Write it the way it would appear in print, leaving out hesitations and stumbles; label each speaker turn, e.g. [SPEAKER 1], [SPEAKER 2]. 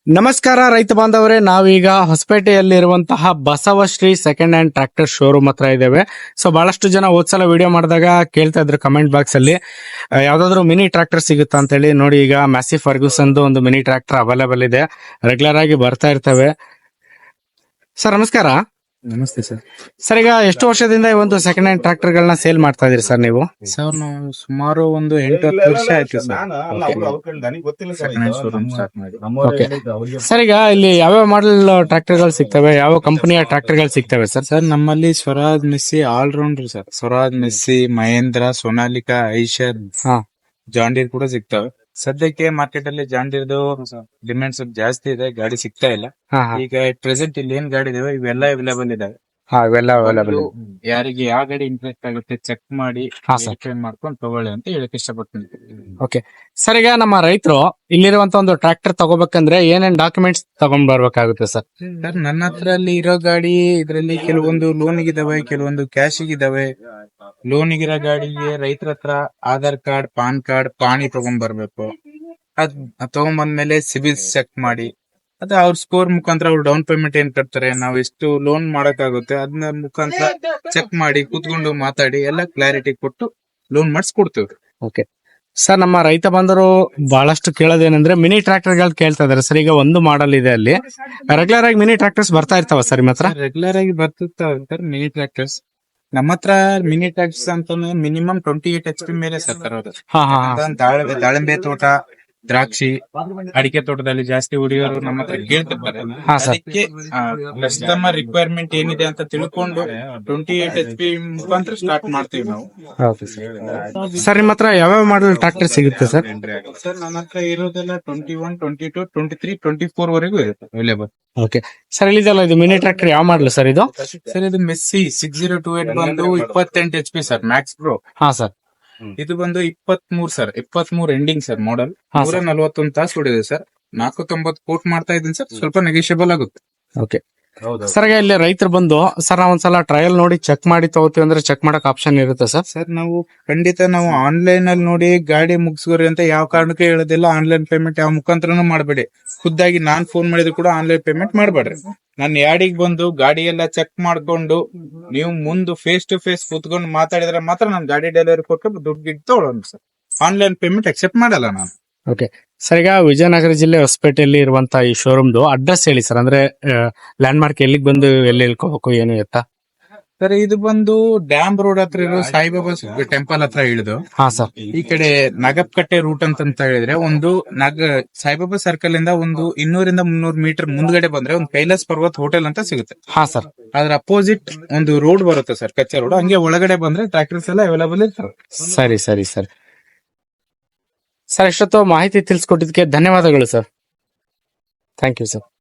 [SPEAKER 1] ನಮಸ್ಕಾರ ರೈತ ಬಾಂಧವರೇ, ನಾವೀಗ ಹೊಸಪೇಟೆಯಲ್ಲಿರುವಂತಹ Basavashree second hand tractor showroom ಹತ್ರ ಇದ್ದೇವೆ. ಸೊ ಬಹಳಷ್ಟು ಜನ ಹೋದ್ಸಲ ವಿಡಿಯೋ ಮಾಡಿದಾಗ ಕೇಳ್ತಾ ಇದ್ರು ಕಮೆಂಟ್ ಬಾಕ್ಸ್ ಅಲ್ಲಿ ಯಾವ್ದಾದ್ರು ಮಿನಿ ಟ್ರಾಕ್ಟರ್ ಸಿಗುತ್ತಾ ಅಂತ ಹೇಳಿ. ನೋಡಿ, ಈಗ ಮ್ಯಾಸಿ ಫರ್ಗೂಸನ್ ಒಂದು ಮಿನಿ ಟ್ರಾಕ್ಟರ್ ಅವೈಲೇಬಲ್ ಇದೆ, ರೆಗ್ಯುಲರ್ ಆಗಿ ಬರ್ತಾ ಇರ್ತವೆ. ಸರ್ ನಮಸ್ಕಾರ.
[SPEAKER 2] ನಮಸ್ತೆ ಸರ್.
[SPEAKER 1] ಸರ್, ಈಗ ಎಷ್ಟು ವರ್ಷದಿಂದ ಈ ಒಂದು ಸೆಕೆಂಡ್ ಹ್ಯಾಂಡ್ ಟ್ರಾಕ್ಟರ್ ಗಳನ್ನ ಸೇಲ್ ಮಾಡ್ತಾ ಇದೀರಿ ಸರ್ ನೀವು?
[SPEAKER 2] ಸರ್ ನಾವು ಸುಮಾರು ಒಂದು 8-10 ವರ್ಷ ಆಯ್ತು sir second hand showroom start ಮಾಡಿ.
[SPEAKER 1] ಓಕೆ ಸರ್, ಈಗ ಇಲ್ಲಿ ಯಾವ್ಯಾವ ಮಾಡೆಲ್ ಟ್ರಾಕ್ಟರ್ ಗಳು ಸಿಗ್ತವೆ, ಯಾವ ಕಂಪನಿಯ ಟ್ರಾಕ್ಟರ್ ಗಳು ಸಿಗ್ತವೆ ಸರ್?
[SPEAKER 2] ಸರ್ ನಮ್ಮಲ್ಲಿ Swaraj Massey all rounder sir. Swaraj Massey, Mahindra, Sonalika, Eicher, John Deere ಕೂಡ ಸಿಗ್ತವೆ. ಸದ್ಯಕ್ಕೆ ಮಾರ್ಕೆಟ್ ಅಲ್ಲಿ ಜಾಂಡೀರ್ದು ಡಿಮ್ಯಾಂಡ್ ಸ್ವಲ್ಪ ಜಾಸ್ತಿ ಇದೆ, ಗಾಡಿ ಸಿಗ್ತಾ ಇಲ್ಲ. ಈಗ ಪ್ರೆಸೆಂಟ್ ಇಲ್ಲಿ ಏನ್ ಗಾಡಿ ಇದಾವೆ ಇವೆಲ್ಲ ಅವೈಲೇಬಲ್ ಇದಾವೆ. ಯಾರಿಗೆ ಯಾವ ಗಾಡಿ ಇಂಟ್ರೆಸ್ಟ್ ಆಗುತ್ತೆ ಚೆಕ್ ಮಾಡಿ ಮಾಡ್ಕೊಂಡು ತಗೊಳ್ಳಿ ಅಂತ ಹೇಳಕ್ ಇಷ್ಟಪಡ್ತೀನಿ.
[SPEAKER 1] ಓಕೆ ಸರ್, ಈಗ ನಮ್ಮ ರೈತರು ಇಲ್ಲಿರುವಂತ ಒಂದು ಟ್ರಾಕ್ಟರ್ ತಗೋಬೇಕಂದ್ರೆ ಏನೇನ್ ಡಾಕ್ಯುಮೆಂಟ್ಸ್ ತಗೊಂಡ್ ಬರ್ಬೇಕಾಗುತ್ತೆ ಸರ್?
[SPEAKER 2] ಸರ್ ನನ್ನ ಹತ್ರ ಅಲ್ಲಿ ಇರೋ ಗಾಡಿ ಇದರಲ್ಲಿ ಕೆಲವೊಂದು ಲೋನಿಗಿದಾವೆ, ಕೆಲವೊಂದು ಕ್ಯಾಶಿಗಿದಾವೆ. ಲೋನಿಗಿರೋ ಗಾಡಿಗೆ ರೈತರ ಹತ್ರ ಆಧಾರ್ ಕಾರ್ಡ್, ಪಾನ್ ಕಾರ್ಡ್, ಪಾಣಿ ತಗೊಂಡ್ ಬರ್ಬೇಕು. ಅದ್ ತಗೊಂಡ್ಬಂದ್ಮೇಲೆ ಸಿಬಿಲ್ ಚೆಕ್ ಮಾಡಿ, ಅದ ಅವ್ರ ಸ್ಕೋರ್ ಮುಖಾಂತರ ಅವ್ರು ಡೌನ್ ಪೇಮೆಂಟ್ ಏನ್ ಕಟ್ತಾರೆ, ನಾವ್ ಎಷ್ಟು ಲೋನ್ ಮಾಡಕ್ಕಾಗುತ್ತೆ ಅದನ್ನ ಮುಖಾಂತರ ಚೆಕ್ ಮಾಡಿ ಕೂತ್ಕೊಂಡು ಮಾತಾಡಿ ಎಲ್ಲ ಕ್ಲಾರಿಟಿ ಕೊಟ್ಟು ಲೋನ್ ಮಾಡಿಸ್ಕೊಡ್ತೇವೆ.
[SPEAKER 1] ಓಕೆ ಸರ್, ನಮ್ಮ ರೈತ ಬಂದರು ಬಹಳಷ್ಟು ಕೇಳೋದೇನಂದ್ರೆ ಮಿನಿ ಟ್ರಾಕ್ಟರ್ ಗಳು ಕೇಳ್ತಾ ಇದಾರೆ ಸರ್. ಈಗ ಒಂದು ಮಾಡಲ್ ಇದೆ, ಅಲ್ಲಿ ರೆಗ್ಯುಲರ್ ಆಗಿ ಮಿನಿ ಟ್ರಾಕ್ಟರ್ಸ್ ಬರ್ತಾ ಇರ್ತಾವ ಸರ್ ನಿಮ್ಮ ಹತ್ರ?
[SPEAKER 2] ರೆಗ್ಯುಲರ್ ಆಗಿ ಬರ್ತಿರ್ತಾವ ಸರ್ ಮಿನಿ ಟ್ರಾಕ್ಟರ್ಸ್. ನಮ್ಮ ಹತ್ರ ಮಿನಿ ಟ್ರಾಕ್ಟರ್ಸ್ ಅಂತ ಮಿನಿಮಮ್ 28 HP ಮೇಲೆ ಸರ್ ತರೋದು. ದಾಳಿಂಬೆ ತೋಟ, ದ್ರಾಕ್ಷಿ, ಅಡಿಕೆ ತೋಟದಲ್ಲಿ ಜಾಸ್ತಿ ಹುಡುಗಿಯರು ನಮ್ಮ ಹತ್ರ ಕೇಳ್ತಿರ್ತಾರೆ. ಅದಕ್ಕೆ ಕಸ್ಟಮರ್ ರಿಕ್ವೈರ್ಮೆಂಟ್ ಏನಿದೆ ಅಂತ ತಿಳ್ಕೊಂಡು 28 HP ಮುಖಾಂತರ ಸ್ಟಾರ್ಟ್ ಮಾಡ್ತೀವಿ ನಾವು.
[SPEAKER 1] ಸರ್ ನಿಮ್ಮ ಹತ್ರ ಯಾವ್ಯಾವ ಮಾಡಲ್ ಟ್ರಾಕ್ಟರ್ ಸಿಗುತ್ತೆ ಸರ್?
[SPEAKER 2] ಸರ್ ನನ್ನ ಹತ್ರ ಇರೋದೆಲ್ಲ 21, 22, 23, 24 ವರೆಗೂ ಇರುತ್ತೆ ಅವೈಲೇಬಲ್.
[SPEAKER 1] ಓಕೆ ಸರ್, ಇಲ್ಲಿದೆಲ್ಲ ಇದು ಮಿನಿ ಟ್ರಾಕ್ಟರ್ ಯಾವ ಮಾಡಲ್ ಸರ್ ಇದು?
[SPEAKER 2] ಸರ್ ಇದು ಮೆಸ್ಸಿ 6028 ಬಂದು 28 HP ಸರ್, ಮ್ಯಾಕ್ಸ್ ಪ್ರೋ.
[SPEAKER 1] ಹಾ ಸರ್.
[SPEAKER 2] ಇದು ಬಂದು 23 ಸರ್, 23 ಎಂಡಿಂಗ್ ಸರ್ ಮಾಡಲ್. 141 ತಾಸು ಹೊಡಿದೆ ಸರ್. 490 ಕೋಟ್ ಮಾಡ್ತಾ ಇದ್ದೀನಿ ಸರ್, ಸ್ವಲ್ಪ ನೆಗೋಷಿಯಬಲ್ ಆಗುತ್ತೆ.
[SPEAKER 1] ಓಕೆ ಸರ್, ಇಲ್ಲಿ ರೈತರು ಬಂದು ಸರ್ ನಾವು ಒಂದ್ಸಲ ಟ್ರಯಲ್ ನೋಡಿ ಚೆಕ್ ಮಾಡಿ ತಗೋತೀವಿ ಅಂದ್ರೆ ಚೆಕ್ ಮಾಡಕ್ ಆಪ್ಷನ್ ಇರುತ್ತೆ ಸರ್?
[SPEAKER 2] ಸರ್ ನಾವು ಖಂಡಿತ ನಾವು ಆನ್ಲೈನ್ ಅಲ್ಲಿ ನೋಡಿ ಗಾಡಿ ಮುಗಿಸ್ಕೋರಿ ಅಂತ ಯಾವ ಕಾರಣಕ್ಕೆ ಹೇಳೋದಿಲ್ಲ. ಆನ್ಲೈನ್ ಪೇಮೆಂಟ್ ಯಾವ ಮುಖಾಂತರನು ಮಾಡಬೇಡಿ. ಖುದ್ದಾಗಿ ನಾನ್ ಫೋನ್ ಮಾಡಿದ್ರು ಕೂಡ ಆನ್ಲೈನ್ ಪೇಮೆಂಟ್ ಮಾಡಬೇಡ್ರಿ. ನನ್ನ ಯಾಡಿಗೆ ಬಂದು ಗಾಡಿ ಎಲ್ಲ ಚೆಕ್ ಮಾಡ್ಕೊಂಡು ನೀವು ಮುಂದೆ ಫೇಸ್ ಟು ಫೇಸ್ ಕೂತ್ಕೊಂಡು ಮಾತಾಡಿದ್ರೆ ಮಾತ್ರ ನಾನು ಗಾಡಿ ಡೆಲಿವರಿ ಕೊಟ್ಟು ದುಡ್ಡು ಗಿಡ್ ತಗೊಳ್ಳೋಣ ಸರ್. ಆನ್ಲೈನ್ ಪೇಮೆಂಟ್ ಅಕ್ಸೆಪ್ಟ್ ಮಾಡಲ್ಲ ನಾನು.
[SPEAKER 1] ಓಕೆ ಸರ್, ಈಗ ವಿಜಯನಗರ ಜಿಲ್ಲೆ ಹೊಸಪೇಟೆಯಲ್ಲಿ ಇರುವಂತಹ ಈ ಶೋರೂಮ್ದು ಅಡ್ರೆಸ್ ಹೇಳಿ ಸರ್. ಅಂದ್ರೆ ಲ್ಯಾಂಡ್ ಮಾರ್ಕ್ ಎಲ್ಲಿಗೆ ಬಂದು ಎಲ್ಲಿ ಇಳ್ಕೋಬೇಕು ಏನು ಎತ್ತಾ?
[SPEAKER 2] ಸರ್ ಇದು ಬಂದು ಡ್ಯಾಮ್ ರೋಡ್ ಹತ್ರ ಇರೋ ಸಾಯಿಬಾಬಾ ಟೆಂಪಲ್ ಹತ್ರ ಇಳಿದು ಈ ಕಡೆ ನಗಪ್ಕಟ್ಟೆ ರೂಟ್ ಅಂತ ಹೇಳಿದ್ರೆ ಒಂದು ಸಾಯಿಬಾಬಾ ಸರ್ಕಲ್ ಇಂದ ಒಂದು 200-300 ಮೀಟರ್ ಮುಂದ್ಗಡೆ ಬಂದ್ರೆ ಒಂದು ಕೈಲಾಸ್ ಪರ್ವತ್ ಹೋಟೆಲ್ ಅಂತ ಸಿಗುತ್ತೆ.
[SPEAKER 1] ಹಾ ಸರ್.
[SPEAKER 2] ಅದ್ರ ಅಪೋಸಿಟ್ ಒಂದು ರೋಡ್ ಬರುತ್ತೆ ಸರ್, ಕಚ್ಚಾ ರೋಡ್. ಹಂಗೆ ಒಳಗಡೆ ಬಂದ್ರೆ ಟ್ರಾಕ್ಟರ್ಸ್ ಎಲ್ಲ ಅವೈಲೇಬಲ್ ಇರ್ತಾರೆ.
[SPEAKER 1] ಸರಿ ಸರಿ ಸರ್. ಸರ್, ಇಷ್ಟೊತ್ತು ಮಾಹಿತಿ ತಿಳಿಸ್ಕೊಟ್ಟಿದ್ದಕ್ಕೆ ಧನ್ಯವಾದಗಳು ಸರ್. Thank you sir.